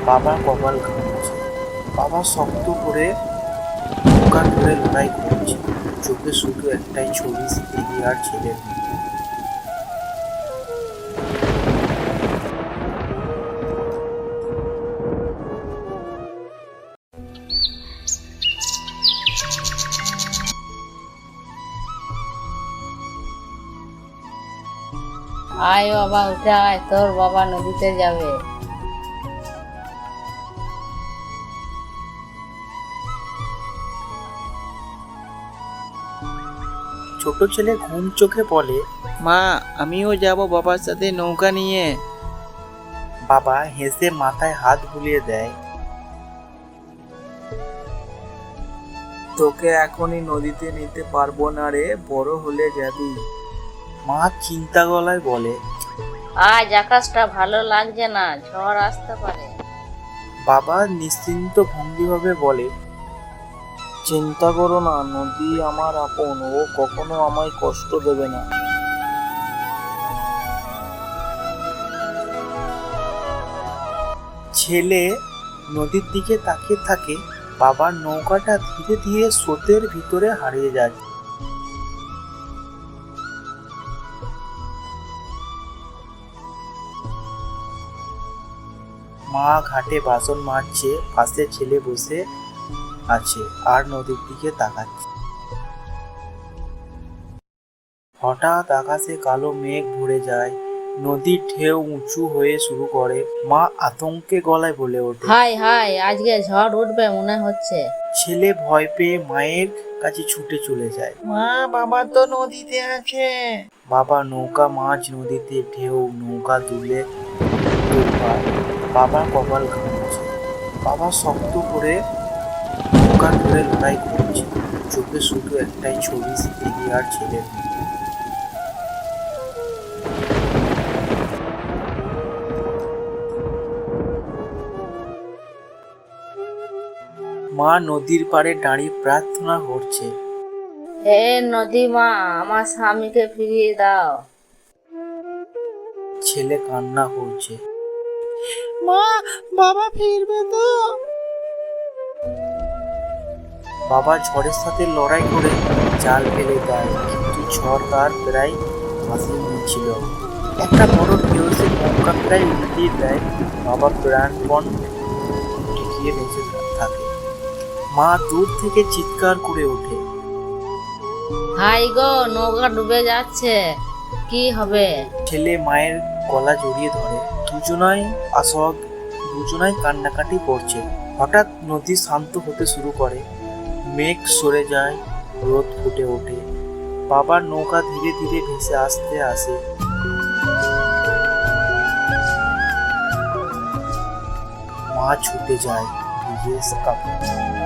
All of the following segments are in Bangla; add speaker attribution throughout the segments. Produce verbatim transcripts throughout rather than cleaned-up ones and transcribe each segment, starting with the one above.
Speaker 1: বাবা কপাল ঘামছে। বাবা শক্ত করে নৌকা ধরে লড়াই করছে। চোখে শুধু একটাই ছবি, স্ত্রী আর ছেলের মুখ।
Speaker 2: আয় বাবা, উঠে আয়, তোর বাবা নদীতে যাবে।
Speaker 1: ছোট ছেলে ঘুম চোখে বলে,
Speaker 3: মা, আমিও যাব বাবার সাথে নৌকা নিয়ে।
Speaker 1: বাবা হেসে মাথায় হাত বুলিয়ে দেয়।
Speaker 3: তোকে এখনই নদীতে নিতে পারবো না রে, বড় হলে যাবি।
Speaker 1: মা চিন্তা গলায় বলে,
Speaker 2: আজ আকাশটা ভালো লাগছে না, ঝড় আসতে পারে।
Speaker 1: বাবা নিশ্চিন্ত ভঙ্গিভাবে বলে,
Speaker 3: চিন্তা করো না, নদী আমার আপন, ও কখনো আমায় কষ্ট দেবে না।
Speaker 1: ছেলে নদীর দিকে তাকিয়ে থাকে। বাবার নৌকাটা ধীরে ধীরে স্রোতের ভিতরে হারিয়ে যায়। মা ঘাটে বাসন মাজছে, পাশে ছেলে বসে আছে আর নদীর দিকে তাকাচ্ছে। হঠাৎ আকাশে কালো মেঘ ভরে যায়, নদীর ঢেউ উঁচু হয়ে শুরু করে। মা আতঙ্কে গলায় বলে ওঠে,
Speaker 2: হাই হাই, আজকে ঝড় উঠবে মনে হচ্ছে।
Speaker 1: ছেলে ভয় পেয়ে মায়ের কাছে ছুটে চলে যায়।
Speaker 3: মা, বাবা তো নদীতে আছে।
Speaker 1: বাবা নৌকা মাঝ নদীতে, ঢেউ নৌকা দুলে দুলবার। বাবা কপাল ঘামছে। বাবা শক্ত করে নৌকা ধরে লড়াই করছে। চোখে শুধু একটাই ছবি, স্ত্রী আর ছেলের মুখ। মা নদীর পাড়ে দাঁড়িয়ে প্রার্থনা করছে,
Speaker 2: হে নদী মা, আমার স্বামীকে ফিরিয়ে দাও।
Speaker 1: ছেলে কান্না করছে।
Speaker 3: মা, বাবা ফিরবে তো?
Speaker 1: বাবা ঝড়ের সাথে লড়াই করে জাল ফেলে দেয়, কিন্তু ঝড় তার প্রায় ভাসিয়ে নিয়েছিল। একটা বড় ঢেউ এসে নৌকা প্রায় উল্টিয়ে দেয়। বাবা প্রাণপণ টিকিয়ে বেঁচে থাকে। মা দূর থেকে চিৎকার করে ওঠে,
Speaker 2: হাই গো, নৌকা ডুবে যাচ্ছে, কি হবে?
Speaker 1: ছেলে মায়ের গলা জড়িয়ে ধরে। দুজনাই আসক, দুজনাই কান্নাকাটি করছে। হঠাৎ নদী শান্ত হতে শুরু করে, মেঘ সরে যায়, রোদ ফুটে ওঠে। বাবার নৌকা ধীরে ধীরে ভেসে আসতে আসে। মা ছুটে যায়, ভিজে কাপড়।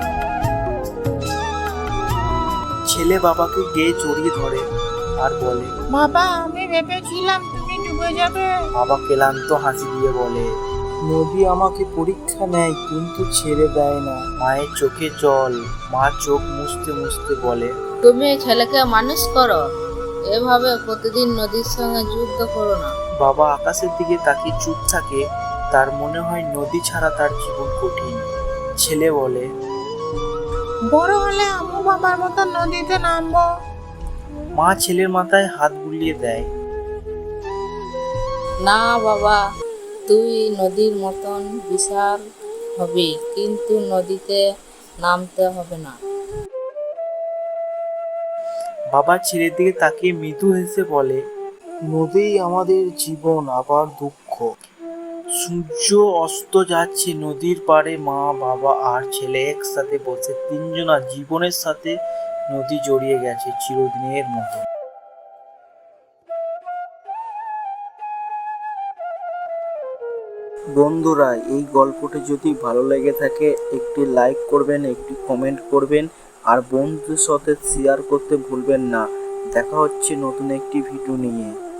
Speaker 1: ছেলে বাবাকে গেয়ে জড়িয়ে ধরে আর বলে,
Speaker 3: বাবা, আমি ভেবেছিলাম তুমি ডুবে যাবে।
Speaker 1: বাবা ক্লান্ত হাসি দিয়ে বলে,
Speaker 3: নদী আমাকে পরীক্ষা নেয় কিন্তু ছেড়ে দেয় না।
Speaker 1: মায়ের চোখে জল। মা চোখ মুছতে মুছতে বলে,
Speaker 2: তুমি ছেলেকে মানুষ করো, এভাবে প্রতিদিন নদীর সঙ্গে যুদ্ধ করো না।
Speaker 1: বাবা আকাশের দিকে তাকিয়ে চুপ থাকে। তার মনে হয় নদী ছাড়া তার জীবন কঠিন। ছেলে বলে,
Speaker 3: বড় হলে আমু বাবার মতো নদীতে নামবো।
Speaker 1: মা ছেলের মাথায় হাত বুলিয়ে দেয়।
Speaker 2: না বাবা, তুই নদীর মতন বিশাল হবি, কিন্তু নদীতে নামতে হবে না।
Speaker 1: বাবা ছেলের দিকে তাকিয়ে মৃদু হেসে বলে,
Speaker 3: নদী আমাদের জীবন, আবার দুঃখ।
Speaker 1: সূর্য অস্ত যাচ্ছে নদীর পাড়ে। মা বাবা আর ছেলে একসাথে বসে। তিনজনা জীবনের সাথে নদী জড়িয়ে গেছে চিরদিনের মতো।
Speaker 3: বন্ধুরা, এই গল্পটি যদি ভালো লেগে থাকে একটি লাইক করবেন, একটি কমেন্ট করবেন আর বন্ধুদের সাথে শেয়ার করতে ভুলবেন না। দেখা হচ্ছে নতুন একটি ভিডিও নিয়ে।